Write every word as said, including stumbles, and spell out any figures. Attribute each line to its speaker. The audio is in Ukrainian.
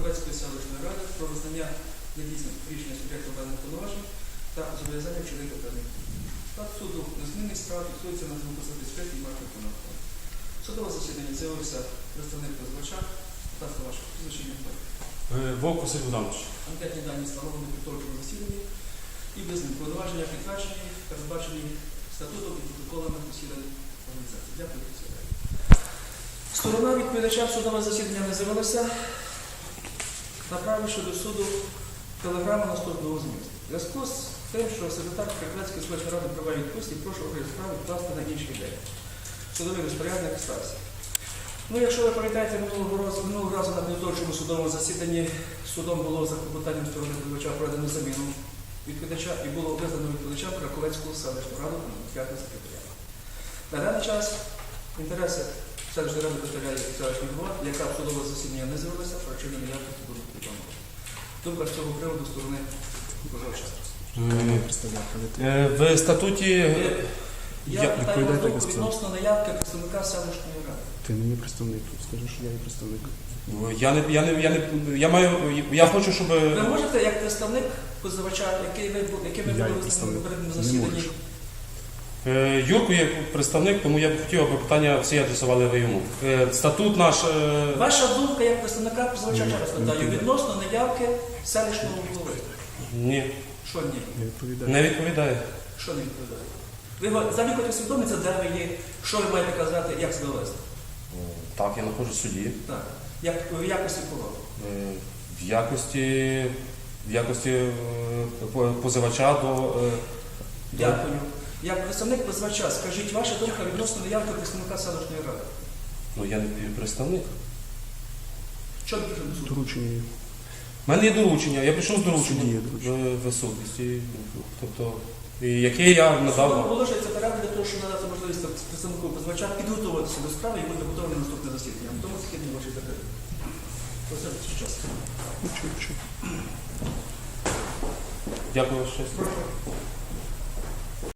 Speaker 1: Краковецької селищної ради про визнання недійсним рішення суб'єкту даних повноважень та зобов'язання вчинити певних дій. Склад суду незмінний справ фіксується на двадцять п'ять і Марка Конакова. Судове засідання з'явився представник позивача. Будь ласка, ваше прізвище.
Speaker 2: Вовк Василь Богданович.
Speaker 1: Анкетні дані встановлені при підготовчому засіданні і визнані повноваження підтверджені, передбачені статутом і протоколами засідань організації. Дякую, присідаю. Сторона відповідача в судове засідання не з'явилася, направивши до суду телеграму наступного змісту. В зв'язку з тим, що секретар Краковецької селищної ради права відпустці, прошу розгляд справи відкласти на інший день. Судовий розпорядник стався. Ну, якщо ви пам'ятаєте, минулого разу, минулого разу на підготовчому судовому засіданні судом було за клопотанням сторони відповідача проведено заміну відповідача і було визнано відповідачем Краковецьку селищну раду п'ятого секретаря. На даний час інтереси селищної ради представляє селищний голова, яка в судове засідання не з'явилася, причини неявності будуть повідомлені. Думка з цього приводу сторони позивача.
Speaker 2: В статуті...
Speaker 1: Я питаю вас думку відносно наявки представника селищної ради.
Speaker 3: Ти не є представник, скажи, що я є представник.
Speaker 2: Я не, я не, я не, я маю, я хочу, щоб...
Speaker 1: Ви можете, як представник позивача, який ви, який ви
Speaker 3: Я є
Speaker 1: були
Speaker 3: представник.
Speaker 1: на
Speaker 3: Не
Speaker 1: засіданні?
Speaker 3: можеш.
Speaker 2: Е, Юрко є представник, тому я б хотів, аби питання всі адресували ви йому. Е, Статут наш... е,
Speaker 1: Ваша думка як представника позивача,
Speaker 3: Ні,
Speaker 1: ще раз
Speaker 3: не
Speaker 1: питаю,
Speaker 3: піде.
Speaker 1: відносно наявки селищного голови.
Speaker 2: Ні,
Speaker 1: Що ні?
Speaker 3: Я відповідаю.
Speaker 2: не відповідає.
Speaker 1: Що не відповідає? Ви взагалі хочете усвідомитися, де ви є, що ви маєте казати, як себе вести?
Speaker 2: Так, я знаходжусь в суді.
Speaker 1: Так. Як, в якості кого?
Speaker 2: Е, В якості, в якості е, по- позивача до... е, до-
Speaker 1: Дякую. Як представник позивача, скажіть, ваша думка відносно наявки представника селищної ради.
Speaker 2: Ну, я не представник.
Speaker 1: Що ви прийшли до суду?
Speaker 3: Доручення є.
Speaker 2: У мене є доручення, я прийшов з
Speaker 3: Суді є
Speaker 2: дорученням
Speaker 3: доручення.
Speaker 2: в, в суд. І, Тобто, і яке я
Speaker 1: Судом
Speaker 2: надав...
Speaker 1: оголошується перерва для того, щоб надати можливість представнику позивача підготуватися до справи і бути готовим на наступне засідання. Тому засідання ваші закрити. Оце час.
Speaker 3: Нічого, нічого.
Speaker 2: Дякую, що...
Speaker 1: Прошу.